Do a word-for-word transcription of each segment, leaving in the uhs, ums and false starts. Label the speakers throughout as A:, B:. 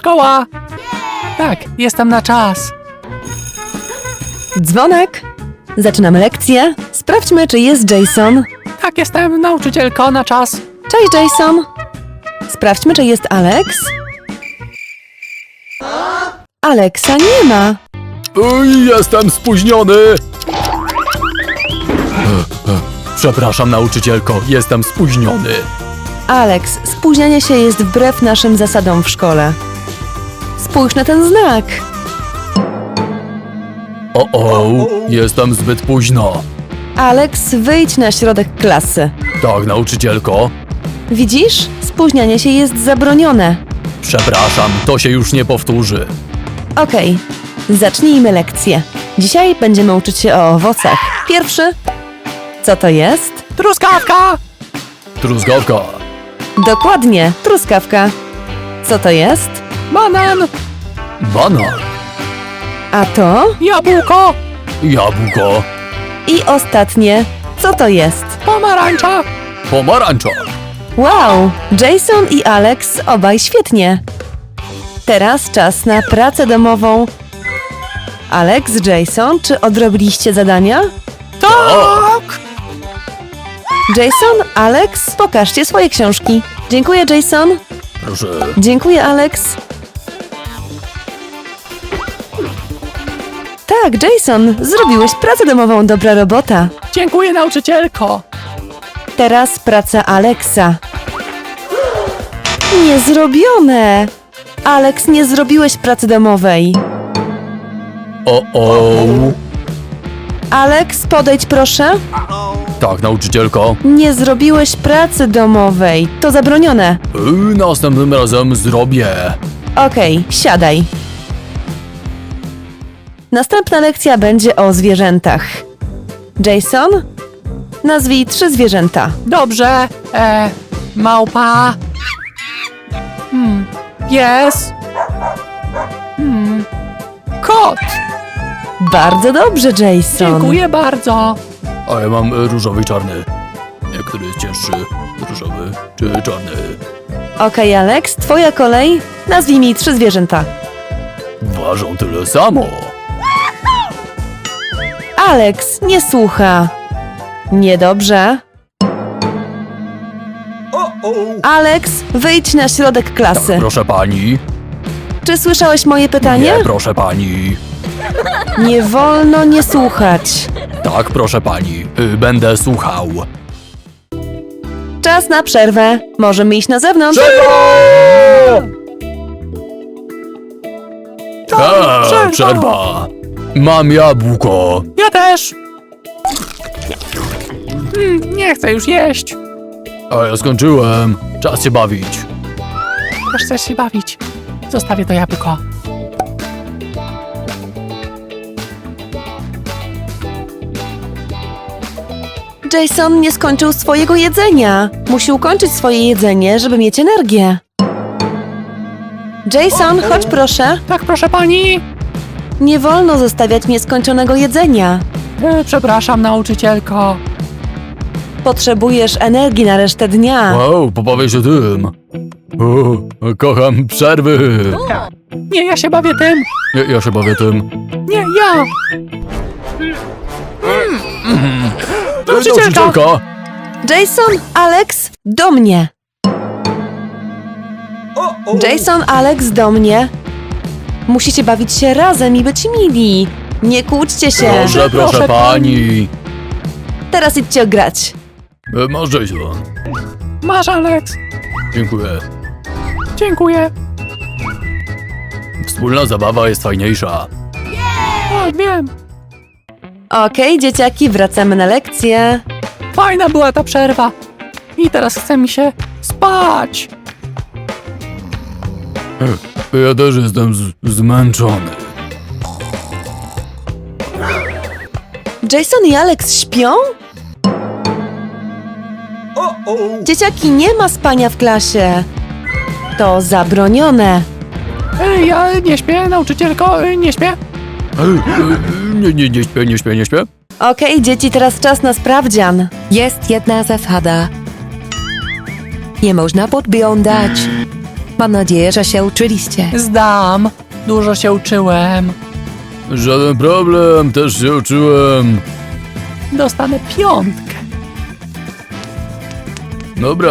A: szkoła! Tak, jestem na czas.
B: Dzwonek. Zaczynamy lekcję. Sprawdźmy, czy jest Jason.
A: Tak, jestem nauczycielko na czas.
B: Cześć, Jason. Sprawdźmy, czy jest Alex. Alexa nie ma.
A: Uj, jestem spóźniony! Przepraszam, nauczycielko, jestem spóźniony.
B: Alex, spóźnianie się jest wbrew naszym zasadom w szkole. Spójrz na ten znak.
A: O, o, jestem zbyt późno.
B: Alex, wyjdź na środek klasy.
A: Tak, nauczycielko.
B: Widzisz? Spóźnianie się jest zabronione.
A: Przepraszam, to się już nie powtórzy.
B: Okej, zacznijmy lekcję. Dzisiaj będziemy uczyć się o owocach. Pierwszy. Co to jest?
A: Truskawka! Truskawka.
B: Dokładnie, truskawka. Co to jest?
A: Banan. Banan.
B: A to?
A: Jabłko. Jabłko.
B: I ostatnie. Co to jest?
A: Pomarańcza. Pomarańcza.
B: Wow, Jason i Alex obaj świetnie. Teraz czas na pracę domową. Alex, Jason, czy odrobiliście zadania?
A: Tak.
B: Jason, Alex, pokażcie swoje książki. Dziękuję, Jason.
A: Proszę.
B: Dziękuję, Alex. Tak, Jason, zrobiłeś pracę domową, dobra robota.
A: Dziękuję, nauczycielko.
B: Teraz praca Alexa. Niezrobione! Alex, nie zrobiłeś pracy domowej.
A: O, o.
B: Alex, podejdź proszę.
A: Tak, nauczycielko.
B: Nie zrobiłeś pracy domowej. To zabronione.
A: Y, następnym razem zrobię.
B: Okej, siadaj. Następna lekcja będzie o zwierzętach. Jason, nazwij trzy zwierzęta.
A: Dobrze. E, małpa. Hmm. Pies. Hmm. Kot.
B: Bardzo dobrze, Jason.
A: Dziękuję bardzo. A ja mam e, różowy i czarny. E, Który jest cięższy? Różowy czy czarny?
B: Okej, Alex, twoja kolej. Nazwij mi trzy zwierzęta.
A: Ważą tyle samo.
B: Alex, nie słucha. Niedobrze. Alex, wyjdź na środek klasy.
A: Tak, proszę pani.
B: Czy słyszałeś moje pytanie?
A: Nie, proszę pani.
B: Nie wolno nie słuchać.
A: Tak, proszę pani. Y, Będę słuchał.
B: Czas na przerwę. Możemy iść na zewnątrz.
A: A,
B: przerwa.
A: przerwa. Mam jabłko. Ja też. Mm, nie chcę już jeść. A ja skończyłem. Czas się bawić. Też chcesz się bawić. Zostawię to jabłko.
B: Jason nie skończył swojego jedzenia. Musi ukończyć swoje jedzenie, żeby mieć energię. Jason, chodź proszę.
A: Tak, proszę pani.
B: Nie wolno zostawiać nieskończonego jedzenia.
A: E, przepraszam, nauczycielko.
B: Potrzebujesz energii na resztę dnia.
A: Wow, pobawię się tym. O, kocham przerwy. Nie, ja się bawię tym. Ja, ja się bawię tym. Nie, ja. Mm. Nauczycielka.
B: Jason, Alex, do mnie. Jason, Alex, do mnie. Musicie bawić się razem i być mili. Nie kłóćcie się.
A: Proszę, proszę
B: Proszę
A: pani.
B: Teraz idźcie grać.
A: E, Masz Jason. Masz Alex. Dziękuję. Dziękuję. Wspólna zabawa jest fajniejsza. Tak, wiem.
B: Okej, dzieciaki, wracamy na lekcję.
A: Fajna była ta przerwa. I teraz chce mi się spać. Ja też jestem z- zmęczony.
B: Jason i Alex śpią? Dzieciaki, nie ma spania w klasie. To zabronione.
A: Ej, ja nie śpię, nauczycielko, nie śpię. Nie, nie, nie śpię, nie śpię, nie śpię.
B: Okej, dzieci, teraz czas na sprawdzian.
C: Jest jedna zasada. Nie można podglądać.
B: Mam nadzieję, że się uczyliście.
A: Zdam. Dużo się uczyłem. Żaden problem, też się uczyłem. Dostanę piątkę. Dobra.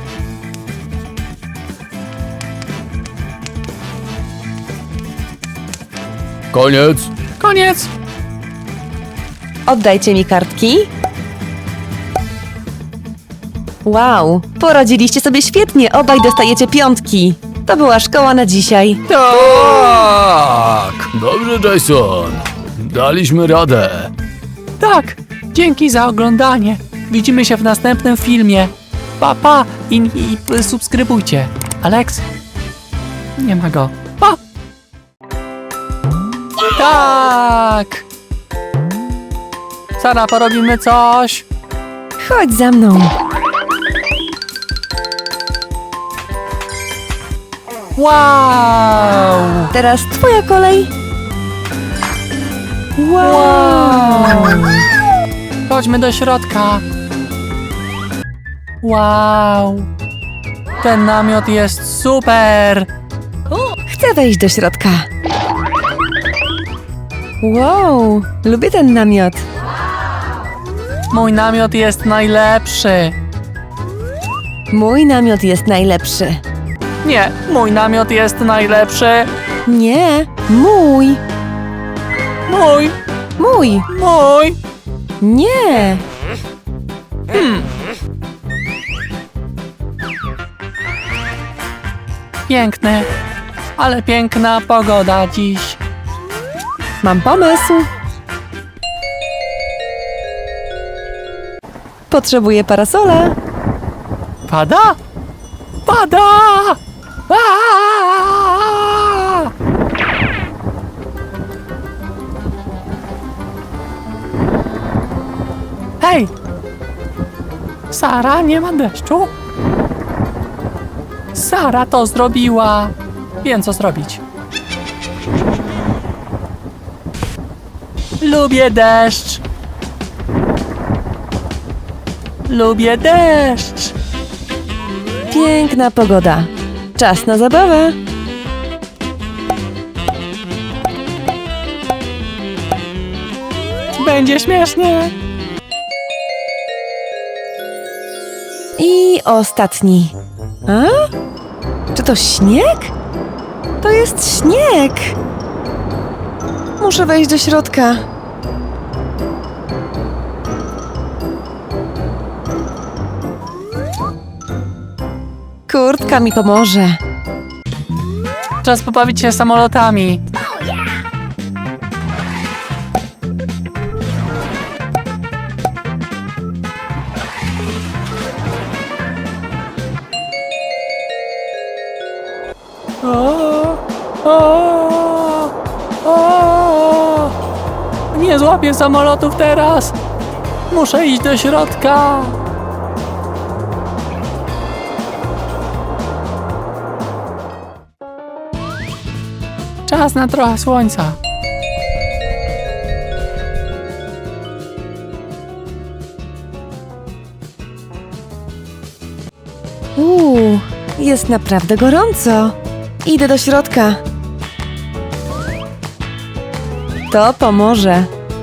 A: Koniec. Koniec.
B: Oddajcie mi kartki. Wow, poradziliście sobie świetnie, obaj dostajecie piątki. To była szkoła na dzisiaj.
A: Tak! Dobrze, Jason. Daliśmy radę. Tak, dzięki za oglądanie. Widzimy się w następnym filmie. Pa, pa i, i, i subskrybujcie. Alex? Nie ma go. Pa! Tak! Sara, porobimy coś.
B: Chodź za mną.
A: Wow!
B: Teraz twoja kolej. Wow!
A: Chodźmy do środka. Wow! Ten namiot jest super!
B: Chcę wejść do środka. Wow, lubię ten namiot.
A: Mój namiot jest najlepszy.
B: Mój namiot jest najlepszy.
A: Nie, mój namiot jest najlepszy.
B: Nie, mój.
A: Mój,
B: Mój.
A: mój.
B: Nie.
A: Hmm. Piękny, ale piękna pogoda dziś.
B: Mam pomysł. Potrzebuję parasola.
A: Pada? Pada! Aaaa! Hej! Sara, nie ma deszczu? Sara to zrobiła. Wiem, co zrobić. Lubię deszcz. Lubię deszcz.
B: Piękna pogoda. Czas na zabawę.
A: Będzie śmiesznie.
B: I ostatni. A? Czy to śnieg? To jest śnieg. Muszę wejść do środka. Kurtka mi pomoże.
A: Czas pobawić się samolotami. O, o, o. Nie złapię samolotów teraz. Muszę iść do środka. Czas na trochę słońca.
B: Uuu, jest naprawdę gorąco. Idę do środka. To pomoże.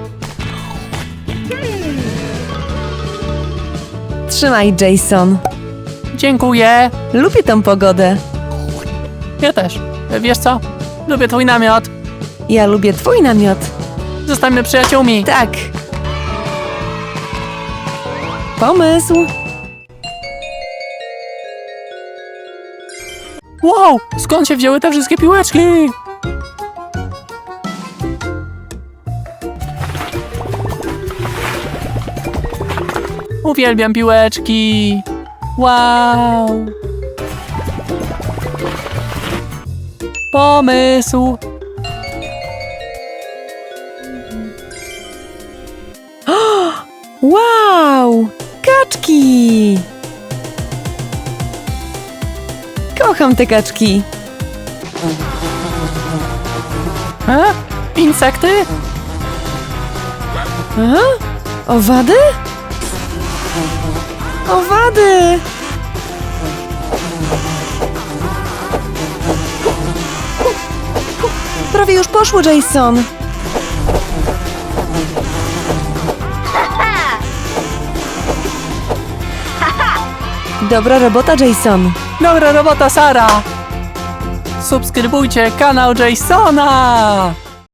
B: Trzymaj, Jason.
A: Dziękuję.
B: Lubię tą pogodę.
A: Ja też. Wiesz co? Lubię twój namiot.
B: Ja lubię twój namiot.
A: Zostańmy przyjaciółmi.
B: Tak. Pomysł.
A: Wow! Skąd się wzięły te wszystkie piłeczki? Uwielbiam piłeczki. Wow! Pomysł.
B: Wow! Kaczki! Kocham te kaczki.
A: E? Insekty?
B: A? Owady? Owady! prawie już poszło, Jason. Dobra robota, Jason.
A: Dobra robota, Sara! Subskrybujcie kanał Jasona!